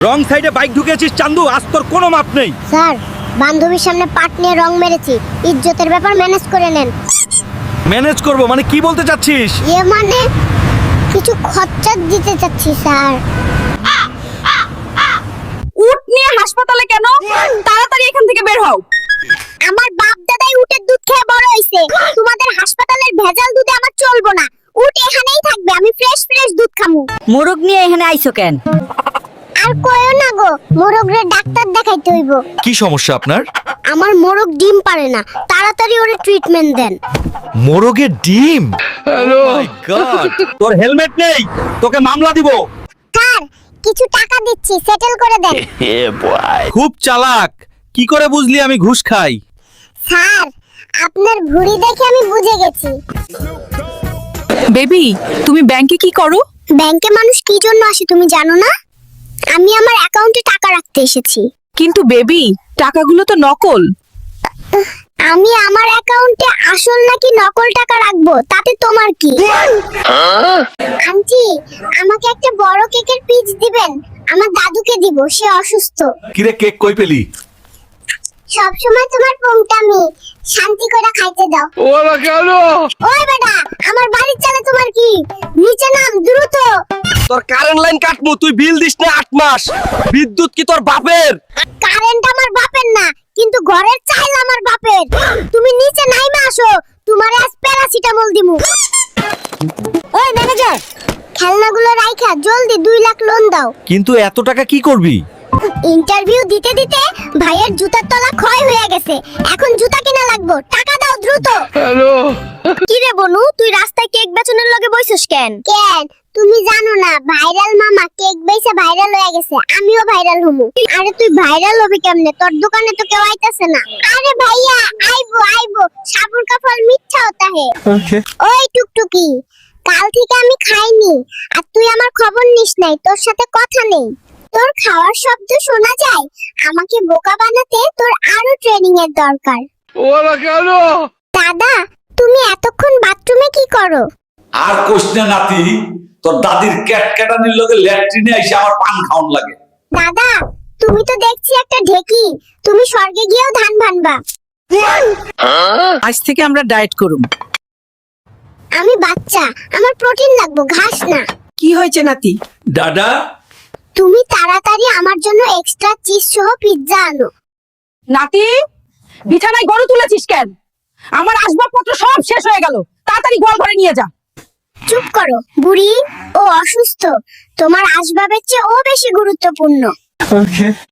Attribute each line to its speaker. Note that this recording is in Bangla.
Speaker 1: রং সাইডে বাইক ঢুকেছিস চান্দু, আজ তোর কোনো মাপ নেই।
Speaker 2: স্যার, বান্ধবীর সামনে পাট নিয়ে রং মেরেছি, ইজ্জতের ব্যাপার ম্যানেজ করে নেন।
Speaker 1: ম্যানেজ করব মানে কি বলতে চাচ্ছিস?
Speaker 2: মানে কিছু খরচা দিতে চাচ্ছি স্যার।
Speaker 3: উট নিয়ে হাসপাতালে কেন? তাড়াতাড়ি এখান থেকে বের হও।
Speaker 2: আমার বাপ দাদাই উটের দুধ খেয়ে বড় হইছে, তোমাদের হাসপাতালের ভেজাল দুধে আমার চলবো না। উট এখানেই থাকবে, আমি ফ্রেশ দুধ খামু।
Speaker 3: মোরগ নিয়ে এখানে আইছো কেন?
Speaker 2: আর কইও না গো, মোরগরে ডাক্তার দেখাইতে হইব।
Speaker 1: কি সমস্যা আপনার?
Speaker 2: আমার মোরগ ডিম পারে না, তাড়াতাড়ি ওরে ট্রিটমেন্ট দেন।
Speaker 1: মোরগের ডিম? হ্যালো মাই গড, তোর হেলমেট নেই, তোকে মামলা দিব।
Speaker 2: স্যার, কিছু টাকা দিচ্ছি, সেটেল করে দেন।
Speaker 1: খুব চালাক, কি করে বুঝলি আমি ঘুষ খাই?
Speaker 2: স্যার, আপনার ভুঁড়ি দেখে আমি বুঝে গেছি।
Speaker 3: বেবি, তুমি ব্যাংকে কি করো?
Speaker 2: ব্যাংকে মানুষ কি জন্য আসে তুমি জানো না? আমি আমার অ্যাকাউন্টে টাকা রাখতে এসেছি।
Speaker 3: কিন্তু বেবি, টাকাগুলো তো নকল।
Speaker 2: আমি আমার অ্যাকাউন্টে আসল নাকি নকল টাকা রাখবো, তাতে তোমার কি? আন্টি, আমাকে একটা বড় কেকের পিস দিবেন, আমার দাদুকে দিব, সে অসুস্থ।
Speaker 1: কিরে কেক কই পেলি?
Speaker 2: সব সময় তোমার পোংটামি, শান্তি করে খাইতে দাও।
Speaker 1: ওরা কেন?
Speaker 2: ওই বেটা, আমার বাড়ির চালে তোমার কি? নিচে নাম দ্রুত।
Speaker 1: তোর কারেন্ট লাইন কাটমু, তুই বিল দিস না 8 মাস। বিদ্যুৎ কি তোর বাপের?
Speaker 2: কারেন্ট আমার বাপের না, কিন্তু ঘরের চাইল আমার বাপের। তুমি নিচে নাইমা আসো, তোমারে আজ প্যারাসিটামল দিমু। ওই ম্যানেজার, খেলনাগুলো রাইখা জলদি 2 লাখ লোন দাও।
Speaker 1: কিন্তু এত টাকা কি করবি?
Speaker 2: ইন্টারভিউ দিতে দিতে ভাইয়ের জুতার তলা ক্ষয় হয়ে গেছে, এখন জুতা কিনা লাগবো, টাকা দাও দ্রুত।
Speaker 1: হ্যালো,
Speaker 2: কি রে বনু, তুই রাস্তায় কেক বেচনের লগে বইছস কেন? তুমি জানো না ভাইরাল মামা কেক বেচে ভাইরাল হয়ে গেছে, আমিও ভাইরাল হমু। আরে তুই ভাইরাল হবি কেমনে? তোর দোকানে তো কেউ আইতাছে না। আরে ভাইয়া, আইবো, সাবুর কা ফল মিঠা হতা হে।
Speaker 1: ওকে।
Speaker 2: ওই টুকটুকি, কাল থেকে আমি খাইনি, আর তুই আমার খবর নিস নাই, তোর সাথে কথা নেই। তোর খাওয়ার শব্দ শোনা যায়, আমাকে বোকা বানাতে তোর আরো ট্রেনিং এর দরকার।
Speaker 1: ওরা কেন?
Speaker 2: দাদা, তুমি এতক্ষণ বাথরুমে কি করো?
Speaker 4: আর কোশ না নাতি, তোর দাদির ক্যাটক্যাটানির লগে ল্যাট্রিনে এসে আমার পান খাওয়ান লাগে।
Speaker 2: দাদা, তুমি তো দেখছি একটা ঢেকি, তুমি স্বর্গে গিয়েও ধান ভানবা।
Speaker 3: আজ থেকে আমরা ডায়েট করুম।
Speaker 2: আমি বাচ্চা, আমার প্রোটিন লাগবে, ঘাস না।
Speaker 3: কি হয়েছে নাতি?
Speaker 4: দাদা,
Speaker 2: তুমি তাড়াতাড়ি আমার জন্য এক্সট্রা চিজ সহ পিৎজা আনো।
Speaker 3: নাতি, বিছানায় গরু তুলেছিস কেন? আমার আসবাবপত্র সব শেষ হয়ে গেল, তাড়াতাড়ি গোয়াল ঘরে নিয়ে যা।
Speaker 2: চুপ করো বুড়ি, ও অসুস্থ, তোমার আসবাবের চেয়ে ও বেশি গুরুত্বপূর্ণ।